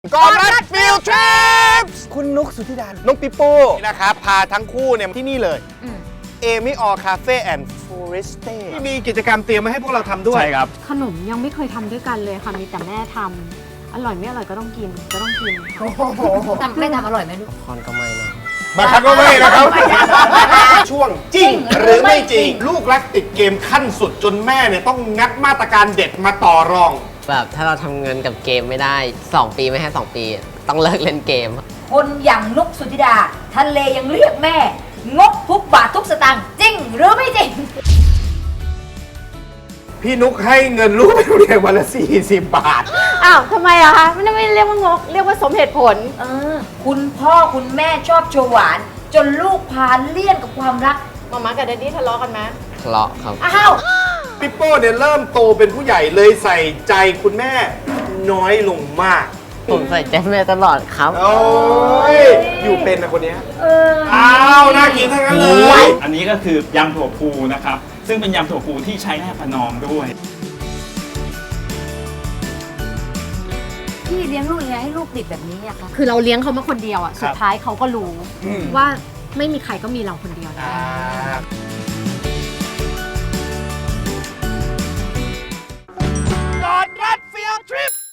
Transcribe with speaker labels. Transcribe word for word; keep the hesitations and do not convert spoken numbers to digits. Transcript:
Speaker 1: ก่อนรัดฟิลทริป
Speaker 2: คุณนุกสุธิดา
Speaker 1: น้องปิโป้นะครับพาทั้งคู่เนี่ยที่นี่เลยเอมิออคาเฟ่แอนด์ฟอเรสเต้ที่มีกิจกรรมเตรียมมาให้พวกเราทำด้วย
Speaker 2: ใช่ครับ
Speaker 3: ขนมยังไม่เคยทำด้วยกันเลยค่ะมีแต่แม่ทำอร่อยไม่อร่อยก็ต้องกินก็ต้องกินค่ะ
Speaker 4: ทำไม่ทำอร่อยไหมลูก
Speaker 2: คอนก็ไม่นะ
Speaker 1: บางครั้งก็ไม่นะครับ ช่วงจริงหรือไม่จริง ลูกรักติดเกมขั้นสุดจนแม่เนี่ยต้องงัดมาตรการเด็ดมาต่อรอง
Speaker 5: แบบถ้าเราทำเงินกับเกมไม่ได้สองปีไม่ให้สองปีต้องเลิกเล่นเกม
Speaker 4: คนอย่างนุกสุธิดาทะเลยังเรียกแม่ งกทุกบาททุกสตางค์จริงหรือไม่จริง
Speaker 1: พี่นุกให้เงินลูกไปโรงเรียนวันละสี่สิบบาท
Speaker 3: อ้าวทำไมอะคะไม่ได้ไม่เรียกว่างกเรียกว่าสมเหตุผล
Speaker 4: เออ คุณพ่อคุณแม่ชอบโชว์หวาน จนลูกพาเลี่ยนกับความรัก
Speaker 3: มาม่ากับแดดดี้ทะเลาะกันไหม
Speaker 5: ทะเลาะครับ
Speaker 4: อ้าว
Speaker 1: ปิโป้เนี่ยเริ่มโตเป็นผู้ใหญ่เลยใส่ใจคุณแม่น้อยลงมาก
Speaker 5: ผมใส่ใจแม่ตลอดครับ
Speaker 1: โอ้ยอยู่เป็นนะคนเนี้ย
Speaker 4: เออ
Speaker 1: อ้าวน่ากินทั้งนั้นเลย
Speaker 6: อันนี้ก็คือยำถั่วพูนะครับ ซึ่งเป็นยำถั่วพูที่ใช้แนบประนอมด้วย
Speaker 4: พี่เลี้ยงลูกยังไงให้ลูกติดแบบนี้อะคะ
Speaker 3: คือเราเลี้ยงเขามาคนเดียวอะสุดท้ายเขาก็รู้
Speaker 1: อืม
Speaker 3: ว่าไม่มีใครก็มีเราคนเดียวนะ
Speaker 1: อ่า